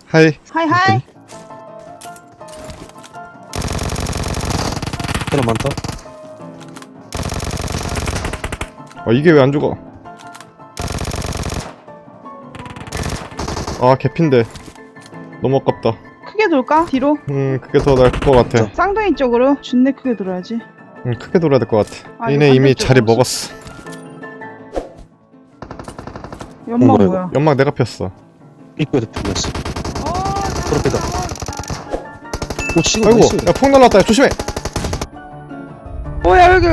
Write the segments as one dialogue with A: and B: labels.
A: 하이.
B: 하이.
C: 하나 많다.
A: 이게 왜 안 죽어? 아, 개핀데. 너무 아깝다.
B: 크게 돌까? 뒤로?
A: 그게 더 나을 것 같아.
B: 쌍둥이 쪽으로 준내 크게 돌아야지.
A: 크게 돌아야 될 것 같아.
B: 아,
A: 얘네
B: 이거
A: 이미
B: 반대쪽
A: 자리
B: 없어.
A: 먹었어.
B: 연막
C: 뭐야,
B: 뭐야?
A: 연막 내가 폈어.
C: 입구에서 풀렸어. 그렇게다. 오, 지금
A: 아이고,
C: 나이스.
A: 야, 폭 날랐다. 야, 조심해.
B: 뭐야 여기.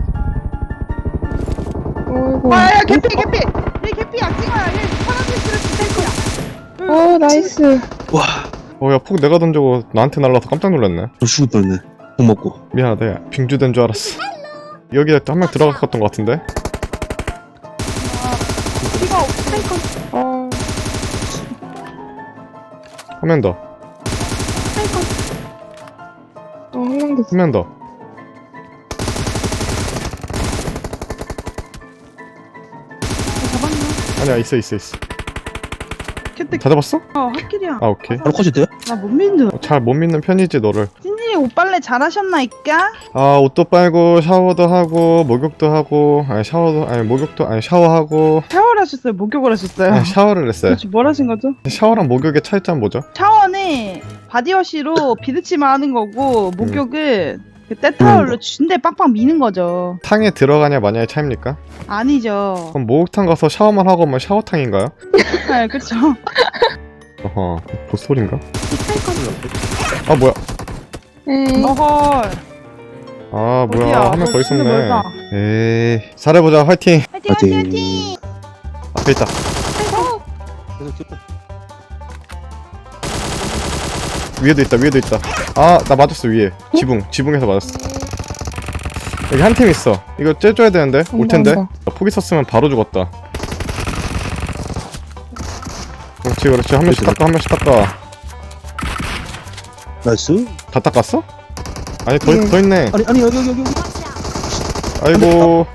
D: 어이구.
B: 야 개피. 얘 개피야. 찍어야. 얘 파란색 스트레스 탱크야.
D: 오, 나이스.
C: 와,
A: 야, 폭 내가 던지고 나한테 날라서 깜짝 놀랐네.
C: 저 죽을 뻔했네. 못 먹고.
A: 미안하다. 야, 빙주된 줄 알았어. 여기에 한 명 들어갔던 것 같은데?
B: 피가 없어.
D: 어,
A: 한 명 더.
D: 한 명 더.
A: 한 명 더.
B: 잡았나?
A: 아니야, 있어.
B: 캐트.
A: 다 잡았어?
B: 핫길이야.
A: 아, 오케이.
C: 바로 컷인데요?
B: 나 못 믿는.
A: 잘 못 믿는 편이지, 너를.
B: 찐진이 옷 빨래 잘하셨나이까?
A: 아, 옷도 빨고 샤워도 하고 목욕도 하고 목욕도 샤워하고
B: 샤워를 하셨어요? 목욕을 하셨어요?
A: 샤워를 했어요.
B: 도대체 뭘 하신 거죠?
A: 샤워랑 목욕의 차이점 뭐죠?
B: 샤워는 바디워시로 비드치만 하는 거고 목욕은 그 때타올로 준대 빵빵 미는 거죠.
A: 탕에 들어가냐 마냐의 차이입니까?
B: 아니죠.
A: 그럼 목욕탕 가서 샤워만 하고 오면 샤워탕인가요?
B: 네, 그쵸.
A: 어허, 보스소리인가? 아, 뭐야?
D: 에이.
B: 어헐.
A: 아, 뭐야,
B: 어디야?
A: 한 명 더
B: 너 진짜
A: 있었네.
B: 멀다.
A: 에이, 잘해보자, 화이팅!
B: 화이팅.
A: 앞에 있다. 위에도 있다. 아, 나 맞았어, 위에. 지붕에서 맞았어. 여기 한 팀 있어. 이거 째줘야 되는데? 올 텐데?
D: 온다.
A: 포기 썼으면 바로 죽었다. 그렇지. 한 명씩 닦아.
C: 나이스.
A: 다 닦았어? 아니,
D: 네.
A: 더 있네.
C: 아니, 여기.
A: 아이고.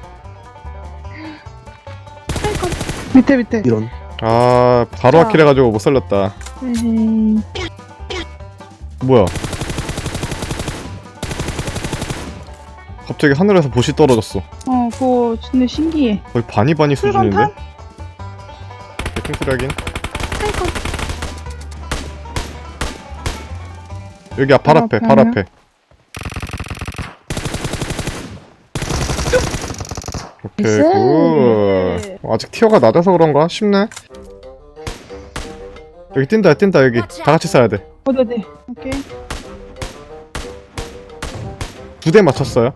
B: 밑에.
C: 이런.
A: 아, 바로 아킬 해가지고 못 살렸다.
D: 에이.
A: 뭐야? 갑자기 하늘에서 보시 떨어졌어.
B: 그거 진짜 신기해.
A: 거의 바니 수준인데?
B: 풀건탄?
A: 개통소리 하긴. 여기 바로 앞에. 오케이,
D: 나이스.
A: 굿. 아직 티어가 낮아서 그런가? 쉽네. 여기 뛴다, 여기. 다 같이 쏴야 돼.
B: 어디. 오케이.
A: 2대 맞췄어요.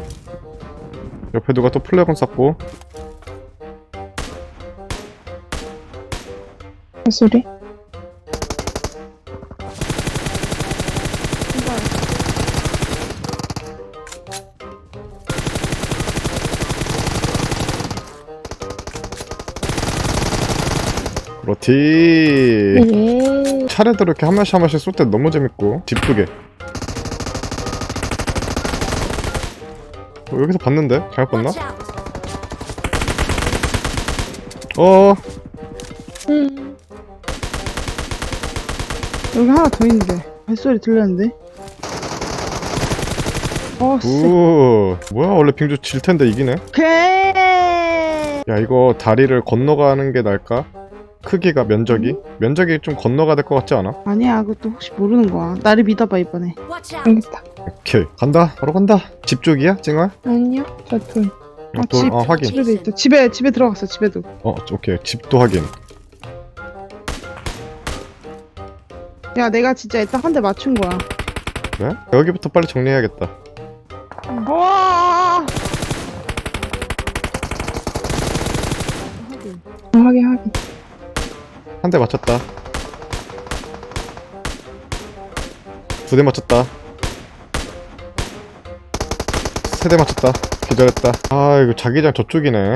A: 옆에 누가 또 플래곤 쐈고.
D: 소리.
A: 그렇지.
D: 예.
A: 차례대로 이렇게 한 마씩 쏠 때 너무 재밌고. 집 2개. 여기서 봤는데? 잘못 봤나?
B: 여기 하나 더 있는데. 발소리 들렸는데? 쎄.
A: 뭐야, 원래 빙주 질 텐데 이기네.
B: 오케이.
A: 야, 이거 다리를 건너가는 게 나을까? 크기가 면적이 좀 건너가야 될 것 같지 않아?
B: 아니야, 그것도 혹시 모르는 거야. 나를 믿어봐, 이번에.
D: 알겠다.
A: 오케이, 간다. 바로 간다. 집 쪽이야, 찡아?
D: 아니요, 저 돌.
A: 확인.
B: 집에도 있다. 집에 들어갔어, 집에도.
A: 오케이, 집도 확인.
B: 야, 내가 진짜 딱 한 대 맞춘 거야.
A: 그래? 여기부터 빨리 정리해야겠다.
B: 와!
D: 확인.
A: 한 대 맞췄다. 2대 맞췄다. 3대 맞췄다. 기절했다. 아, 이거 자기장 저쪽이네.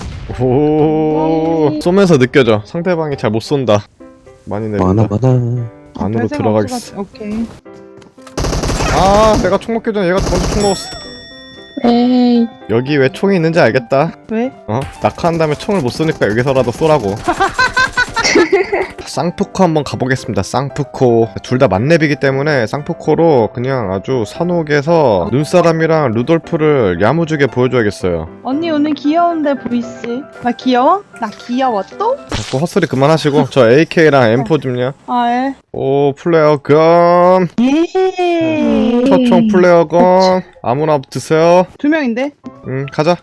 A: 오, 쏘면서 느껴져. 상대방이 잘 못 쏜다. 많이 내린다.
C: 많아.
A: 안으로 들어가겠어.
B: 오케이.
A: 아, 내가 총 먹기 전에 얘가 먼저 총 먹었어.
D: 에이.
A: 여기 왜 총이 있는지 알겠다.
B: 왜?
A: 낙하한 다음에 총을 못 쏘니까 여기서라도 쏘라고. 쌍푸코 한번 가보겠습니다. 쌍푸코 둘 다 만렙이기 때문에 쌍푸코로 그냥 아주 산옥에서 눈사람이랑 루돌프를 야무지게 보여줘야겠어요.
B: 언니 오늘 귀여운데 보이스. 나 귀여워? 나 귀여워 또?
A: 자꾸 헛소리 그만하시고 저 AK랑 M4 좀요.
B: 아 예.
A: 오 플레어건
B: 예.
A: 초총 플레어건 아무나 드세요.
B: 2명인데?
A: 가자.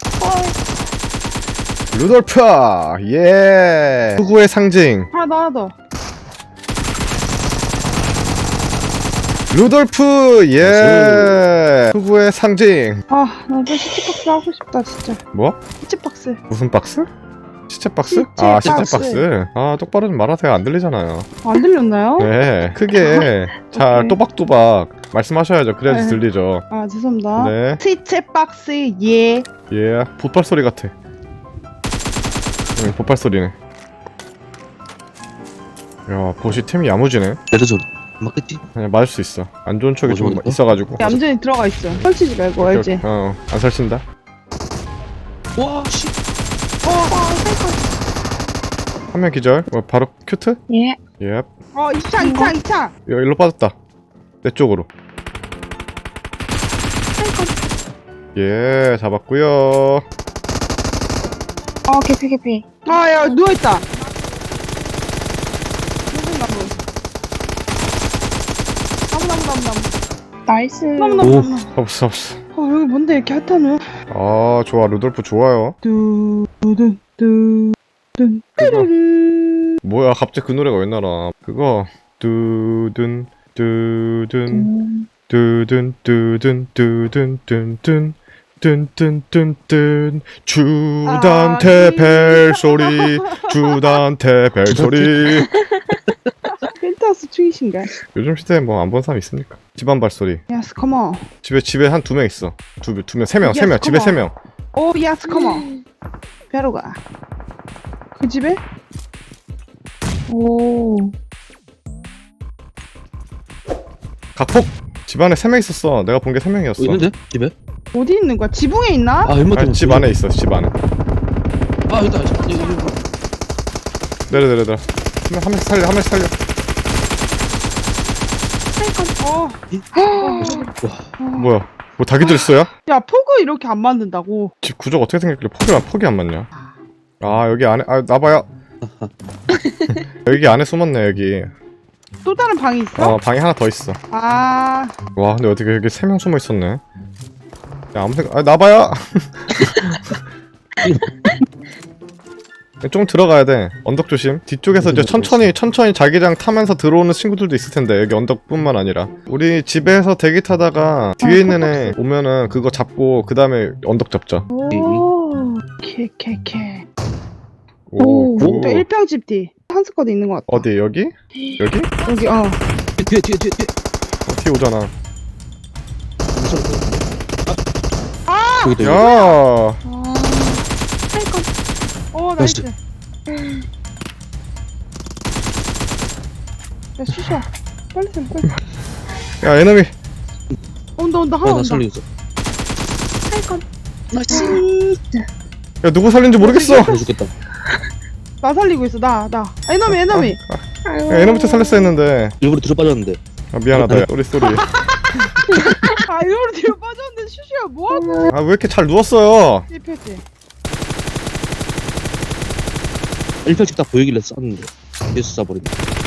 A: 루돌프 예 흑우의 상징
B: 하나 더.
A: 루돌프 예 흑우의 상징.
B: 아, 나도 시체박스 하고 싶다 진짜.
A: 뭐?
B: 시체박스.
A: 무슨 박스? 시체 박스?
B: 시체
A: 아 시체
B: 박스.
A: 박스. 아 똑바로 좀 말하세요. 안 들리잖아요.
B: 안 들렸나요?
A: 네 크게 잘
B: 오케이.
A: 또박또박 말씀하셔야죠. 그래야지
B: 네.
A: 들리죠.
B: 아 죄송합니다.
A: 네.
B: 시체박스 예.
A: 예 보빨 소리 같아. 응 보빨 소리네. 야 보시 템이 야무지네.
C: 내려줘. 맞겠지?
A: 그냥 맞을 수 있어. 안 좋은 척이 좀
C: 뭐 좋은데?
A: 있어가지고.
B: 얌전히 들어가 있어. 설치지 말고
A: 오케이,
B: 알지?
A: 오케이. 안 설친다.
C: 와 씨.
A: 한 명 기절. 바로 큐트?
D: 예.
A: 예.
B: 2차.
A: 일로 빠졌다. 내 쪽으로. 예, 잡았고요.
D: 개피.
B: 아, 야, 누워있다. 무슨 나무? 나무.
D: 나이스.
C: 오.
A: 없어.
B: 여기 뭔데 이렇게 핫하노?
A: 아, 좋아. 루돌프 좋아요.
B: 뚜둔.
A: 그거. 뭐야, 갑자기 그 노래가 왜 나라? 그거. 두둔. 주단태 벨소리. 주단태 벨소리.
B: 펜타스 충이신가?
A: 요즘 시대에 뭐 안 본 사람 있습니까? 집안 발소리.
B: 야스 컴온.
A: 집에 한 2명 있어. 두 명, 3명. 집에 3명.
B: 오 야스 컴온. 벼로 가. 그 집에?
D: 오.
A: 각폭! 집안에 3명 있었어. 내가 본 게 3명이었어.
C: 있는데? 집에?
B: 어디 있는 거야? 지붕에 있나?
C: 아 헬멧 때문에.
A: 집 안에 있어. 집 안에.
C: 아 여기다. 여기.
A: 내려. 한 명씩 살려. 뭐야? 뭐 닭이 들었어요?
B: 야 포그 이렇게 안 만든다고.
A: 집 구조가 어떻게 생겼길래 폭이 안 맞냐? 아 여기 안에 나봐요. 여기 안에 숨었네 여기.
B: 또 다른 방이 있어?
A: 방이 하나 더 있어.
B: 아
A: 와 근데 어떻게 여기 3명 숨어 있었네. 야 아무 생각 나봐요. 좀 들어가야 돼. 언덕 조심. 뒤쪽에서 이제 천천히 자기장 타면서 들어오는 친구들도 있을 텐데 여기 언덕뿐만 아니라 우리 집에서 대기 타다가 뒤에 있는 애 오면은 그거 잡고 그 다음에 언덕 잡자.
B: 오. 케.
D: 오.
A: 굿.
B: 또 1평집 뒤. 한 스쿼드 있는 것 같다.
A: 어디 여기? 여기?
B: 여기
C: 뒤에.
A: 뒤에 오잖아.
C: 여기다. 여기.
A: 야,
B: 나이스. 야 슈샤. 빨리.
A: 야 에너미.
B: 온다 하나
C: 나
B: 온다.
C: 살리겠어.
A: 야 누구 살린지 모르겠어.
C: 나 죽겠다.
B: 나 살리고 있어 나. 에너미.
A: 야, 에너미터 살렸어 했는데.
C: 일부러 뒤로 빠졌는데.
A: 아, 미안하다. 쏘리.
B: 아 이거로 뒤로 빠졌는데 슈슈야 뭐하고?
A: 아 왜 이렇게 잘 누웠어요?
B: 1표지.
C: 1평씩 다 보이길래 쐈는데. 예수 쏴버렸네.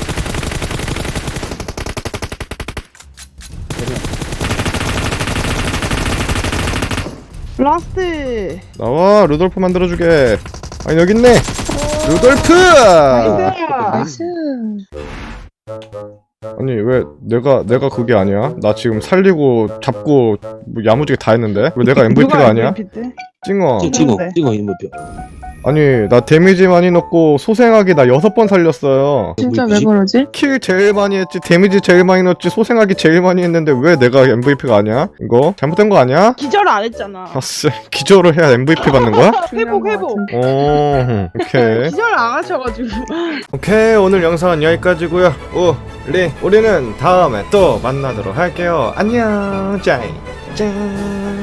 B: 라스트.
A: 나와 루돌프 만들어주게. 아니 여기 있네. 루돌프.
B: 나이스.
A: 아니 왜 내가 그게 아니야? 나 지금 살리고 잡고 뭐 야무지게 다 했는데 왜 내가 MVP가 아니야?
B: MVP 때?
A: 찡어.
C: 찍어
B: 뭔데?
C: 인물표.
A: 아니 나 데미지 많이 넣고 소생하기 나 6번 살렸어요.
D: 진짜 왜
C: 뭐지?
D: 그러지?
A: 킬 제일 많이 했지, 데미지 제일 많이 넣었지, 소생하기 제일 많이 했는데 왜 내가 MVP가 아니야? 이거 잘못된 거 아니야?
B: 기절을 안 했잖아.
A: 아씨 기절을 해야 MVP 받는 거야?
B: 회복.
A: 오 오케이.
B: 기절을 안 하셔가지고.
A: 오케이 오늘 영상은 여기까지고요. 우리는 다음에 또 만나도록 할게요. 안녕 짠.